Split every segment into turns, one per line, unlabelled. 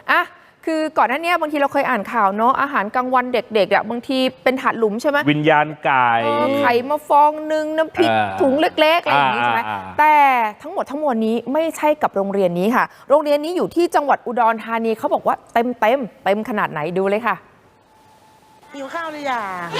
อ่ะคือก่อนหน้านี้บางทีเราเคยอ่านข่าวเนาะอาหารกลางวันเด็กๆอ่ะบางทีเป็นถาดหลุมใช่ไหม
วิญญาณไก่
ไข่มาฟองนึงน้ำพริกถุงเล็กๆอะไรอย่างนี้ใช่ไหมแต่ทั้งหมดทั้งมวลนี้ไม่ใช่กับโรงเรียนนี้ค่ะโรงเรียนนี้อยู่ที่จังหวัดอุดรธานีเขาบอกว่าเต็มขนาดไหนดูเลยค่ะ
หิวข้าวหรือยัง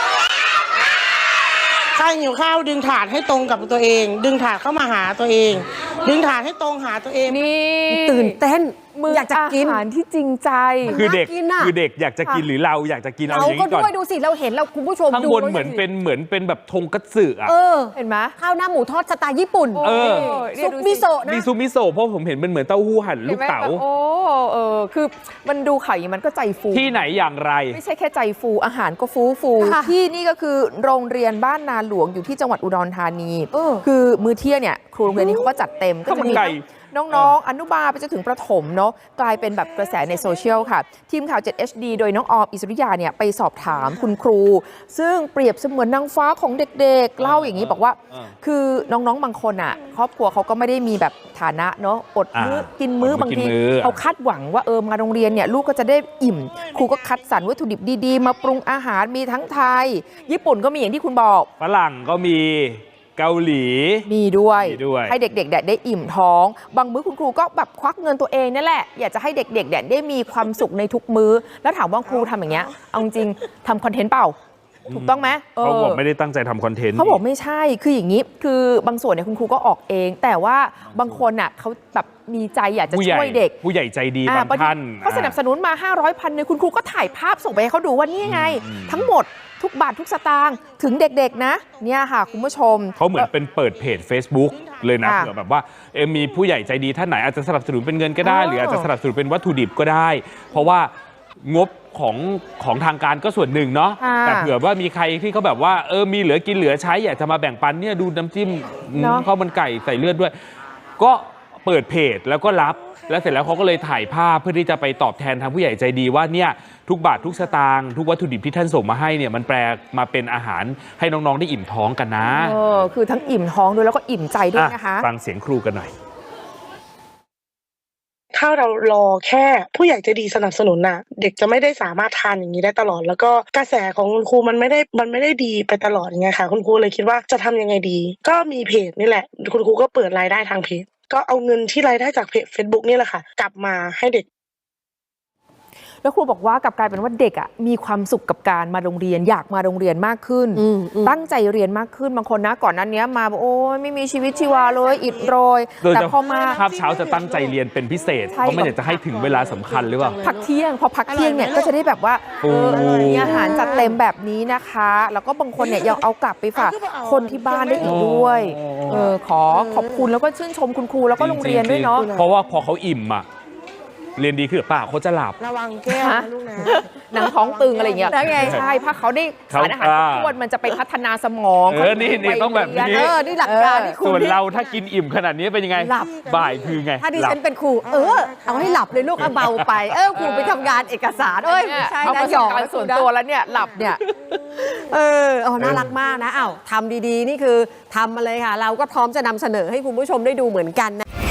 ใครหิวข้าวดึงถาดให้ตรงกับตัวเองดึงถาดเข้ามาหาตัวเองดึงถาดให้ตรงหาตัวเอง
นี่
ตื่นเต้นอยากจะกิน
อาหารที่จริงใจ
คือเด็กอยากจะกินหรือเราอยากจะกินเอาอย่างนี้ก่อน
เราก็ด้วยดูสิเราเห็นเราคุณผู้ชม
ข้างบนเหมือนเป็นแบบทงคัตสึอ่ะ
เห็นไหม
ข้าวหน้าหมูทอดสไตล์ญี่ปุ่นซุปมิโซะนะ
มีซุปมิโซะเพราะผมเห็นมันเหมือนเต้าหู้หั่นลูกเต๋า
คือมันดูข่าวอย่างมันก็ใจฟู
ที่ไหนอย่างไร
ไม่ใช่แค่ใจฟูอาหารก็ฟูที่นี่ก็คือโรงเรียนบ้านนาหลวงอยู่ที่จังหวัดอุดรธานีคือมื้อเที่ยงเนี่ยครูโรงเรียนนี้เขาก็จัดเต็มก็จะมีน้องๆอนุบาลไปจนถึงประถมเนาะกลายเป็นแบบกระแสในโซเชียลค่ะทีมข่าว 7HD โดยน้องออมอิสริยาเนี่ยไปสอบถามคุณครูซึ่งเปรียบเสมือนนางฟ้าของเด็กๆเล่าอย่างนี้บอกว่าคือน้องๆบางคนอ่ะครอบครัวเขาก็ไม่ได้มีแบบฐานะเนาะอดมื้อกินมื้อบางทีเขาคาดหวังว่ามาโรงเรียนเนี่ยลูกก็จะได้อิ่มครูก็คัดสรรวัตถุดิบดีๆมาปรุงอาหารมีทั้งไทยญี่ปุ่นก็มีอย่างที่คุณบอก
ฝรั่งก็มีเกาหลี
มีด้วยให้เด็กๆได้อิ่มท้องบางมื้อคุณครูก็แบบควักเงินตัวเองนั่นแหละอยากจะให้เด็กๆได้มีความสุขในทุกมื้อแล้วถามว่าครูทำอย่างเงี้ยเอาจริงทำคอนเทนต์เปล่าถูกต้องไหม
เขาบอกไม่ได้ตั้งใจทำคอนเทนต์
เขาบอกไม่ใช่คืออย่างนี้คือบางส่วนเนี่ยคุณครูก็ออกเองแต่ว่าบางคนอ่ะเขาแบบมีใจอยากจะช่วยเด็ก
ผู้ใหญ่ใจดีบางท่าน
เขาสนับสนุนมา500 1,000เนี่ยคุณครูก็ถ่ายภาพส่งไปให้เขาดูว่านี่ไงทั้งหมดทุกบาททุกสตางค์ถึงเด็กๆนะเนี่ยค่ะคุณผู้ชม
เขาเหมือนเป็นเปิดเพจ Facebook เลยนะเผื่อแบบว่ามีผู้ใหญ่ใจดีท่านไหนอาจจะสนับสนุนเป็นเงินก็ได้หรืออาจจะสนับสนุนเป็นวัตถุดิบก็ได้เพราะว่างบของทางการก็ส่วนหนึ่งเนาะแต่เผื่อว่ามีใครที่เขาแบบว่ามีเหลือกินเหลือใช้อยากจะมาแบ่งปันเนี่ยดูน้ำจิ้มข้าวมันไก่ใส่เลือดด้วยก็เปิดเพจแล้วก็รับแล้วเสร็จแล้วเขาก็เลยถ่ายภาพเพื่อที่จะไปตอบแทนทางผู้ใหญ่ใจดีว่าเนี่ยทุกบาททุกสตางค์ทุกวัตถุดิบที่ท่านส่งมาให้เนี่ยมันแปลมาเป็นอาหารให้น้องๆได้อิ่มท้องกันนะ
คือทั้งอิ่มท้องด้วยแล้วก็อิ่มใจด้วยนะคะ
ฟังเสียงครูกันหน่อย
ถ้าเรารอแค่ผู้ใหญ่ใจดีสนับสนุนน่ะเด็กจะไม่ได้สามารถทานอย่างนี้ได้ตลอดแล้วก็กระแสของคุณครูมันไม่ได้ดีไปตลอดไงค่ะคุณครูเลยคิดว่าจะทำยังไงดีก็มีเพจนี่แหละคุณครูก็เปิดรายได้ทางเพจก็เอาเงินที่รายได้จากเพจ Facebook นี่แหละค่ะกลับมาให้เด็ก
แล้วครูบอกว่ากลับกลายเป็นว่าเด็กอ่ะมีความสุขกับการมาโรงเรียนอยากมาโรงเรียนมากขึ้นตั้งใจเรียนมากขึ้นบางคนนะก่อนนั้นเนี้ยมาโอ้ยไม่มีชีวิตชีวาเลยอิดโรยแต่พอมา
คาบเช้าจะตั้งใจเรียนเป็นพิเศษเพราะไม่อยากจะให้ถึงเวลาสำคัญหรือเปล่า
พักเที่ยงพอพักเที่ยงเนี่ยก็จะได้แบบว่ามีอาหารจัดเต็มแบบนี้นะคะแล้วก็บางคนเนี่ยยังเอากลับไปฝากคนที่บ้านได้อีกด้วยขอบคุณแล้วก็ชื่นชมคุณครูแล้วก็โรงเรียนด้วยเนาะ
เพราะว่าพอเขาอิ่มอะเรียนดีขึ้นหรือเปล่าเขาจะหลับ
ระวังแก้วนะลูกนะ
หนังท้องตึงอะไรอย่างเงี้ยใช่ถ้าเขาได้สารอาหารครบถ้วนมันจะไปพัฒนาสมอง
นี่ต้องแบบนี้
นี่หลักการที่ครู
ส่วนเราถ้ากินอิ่มขนาดนี้เป็นยังไง
หลับ
บ่ายคือไง
ถ้าดิฉันเป็นครูเอาให้หลับเลยลูกเอาเบาไปครูไปทำงานเอกสาร
ใช่นะหยอกส่วนตัวแล้วเนี่ยหลับเนี่ย
น่ารักมากนะทำดีๆนี่คือทำมาเลยค่ะเราก็พร้อมจะนำเสนอให้คุณผู้ชมได้ดูเหมือนกันนะ